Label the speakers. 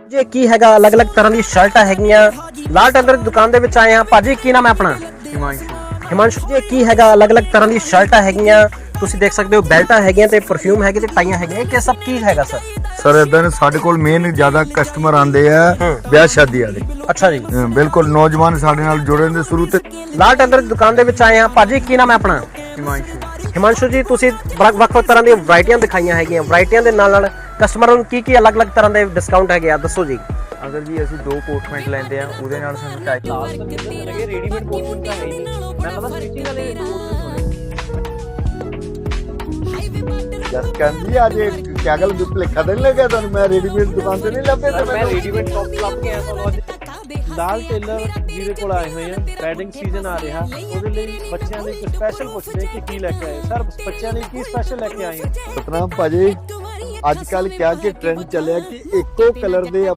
Speaker 1: ਜੇ ਕੀ ਹੈਗਾ ਅਲੱਗ-ਅਲੱਗ ਤਰ੍ਹਾਂ ਦੀ ਸ਼ਰਟਾਂ ਹੈਗੀਆਂ ਲਾਲ ਟੈਲਰ ਦੀ ਦੁਕਾਨ ਦੇ ਵਿੱਚ ਆਏ ਆ। ਭਾਜੀ ਕੀ ਨਾਮ ਹੈ ਆਪਣਾ? ਹਿਮਾਂਸ਼ੂ ਜੀ ਕੀ ਹੈਗਾ ਅਲੱਗ-ਅਲੱਗ ਤਰ੍ਹਾਂ ਦੀ ਸ਼ਰਟਾਂ ਹੈਗੀਆਂ, ਤੁਸੀਂ ਦੇਖ ਸਕਦੇ ਹੋ ਬੈਲਟਾਂ ਹੈਗੀਆਂ ਤੇ ਪਰਫਿਊਮ ਹੈਗੇ ਤੇ ਟਾਈਆਂ ਹੈਗੀਆਂ, ਇਹ ਸਭ ਕੀ ਹੈਗਾ ਸਰ?
Speaker 2: ਸਰ ਇਦਾਂ ਨੇ ਸਾਡੇ ਕੋਲ ਮੇਨ ਜ਼ਿਆਦਾ ਕਸਟਮਰ ਆਉਂਦੇ ਆ ਵਿਆਹ ਸ਼ਾਦੀ ਵਾਲੇ।
Speaker 1: ਅੱਛਾ ਜੀ,
Speaker 2: ਬਿਲਕੁਲ ਨੌਜਵਾਨ ਸਾਡੇ ਨਾਲ ਜੁੜੇ ਨੇ ਸ਼ੁਰੂ ਤੇ।
Speaker 1: ਲਾਲ ਟੈਲਰ ਦੀ ਦੁਕਾਨ ਦੇ ਵਿੱਚ ਆਏ ਆ। ਭਾਜੀ ਕੀ ਨਾਮ ਹੈ ਆਪਣਾ? ਹਿਮਾਂਸ਼ੂ ਜੀ ਤੁਸੀਂ ਵੱਖ-ਵੱਖ ਤਰ੍ਹਾਂ ਦੀਆਂ ਵੈਰਾਈਟੀਆਂ ਦਿਖਾਈਆਂ ਹੈਗੀਆਂ, ਵੈਰਾਈਟੀਆਂ ਦੇ ਨਾਲ ਕਸਟਮਰਾਂ ਨੂੰ ਕੀ ਅਲੱਗ-ਅਲੱਗ ਤਰ੍ਹਾਂ ਦੇ ਡਿਸਕਾਊਂਟ ਹੈਗੇ ਆ, ਦੱਸੋ ਜੀ।
Speaker 3: ਅਗਰ ਜੀ ਅਸੀਂ 2 ਕੋਟ ਪੈਂਟ ਲੈਂਦੇ ਆ ਉਹਦੇ ਨਾਲ ਸਾਨੂੰ 2.5
Speaker 4: ਰੈਡੀਮੇਡ ਕੋਟ ਪੈਂਟ ਤਾਂ ਹੈ ਹੀ ਨਹੀਂ, ਮੈਂ ਕਹਿੰਦਾ ਸਟਿਚਿੰਗ ਵਾਲੇ
Speaker 2: ਜਸ ਕਹਿੰਦੀ ਅੱਜ ਕਿਆ ਗੱਲ ਭੁਲੇਖਾ ਤਾਂ ਨਹੀਂ ਲੱਗਿਆ ਤੁਹਾਨੂੰ? ਮੈਂ ਰੈਡੀਮੇਡ ਦੁਕਾਨ ਤੇ ਨਹੀਂ ਲੱਭੇ ਤੇ
Speaker 4: ਮੈਂ ਰੈਡੀਮੇਡ ਟੌਪ ਲੱਭ ਕੇ ਆਇਆ ਤੁਹਾਨੂੰ ਅੱਜ। ਲਾਲ ਟੇਲਰ ਜਿਹਦੇ ਕੋਲ ਆਏ ਹੋਏ ਆ, ਵੈਡਿੰਗ ਸੀਜ਼ਨ ਆ ਰਿਹਾ, ਉਹਦੇ ਲਈ ਬੱਚਿਆਂ ਲਈ ਕੁਝ ਸਪੈਸ਼ਲ ਪੁੱਛਦੇ ਕਿ ਕੀ ਲੈ ਕੇ ਆਏ ਸਰ, ਬੱਚਿਆਂ ਲਈ ਕੀ ਸਪੈਸ਼ਲ ਲੈ ਕੇ ਆਏ?
Speaker 2: ਸਤਨਾਮ ਭਾਜੀ ਅੱਜ ਕੱਲ ਕਿਆ ਕਿ ਟ੍ਰੈਂਡ ਚੱਲਿਆ ਕਿ ਇੱਕੋ ਕਲਰ ਦੇ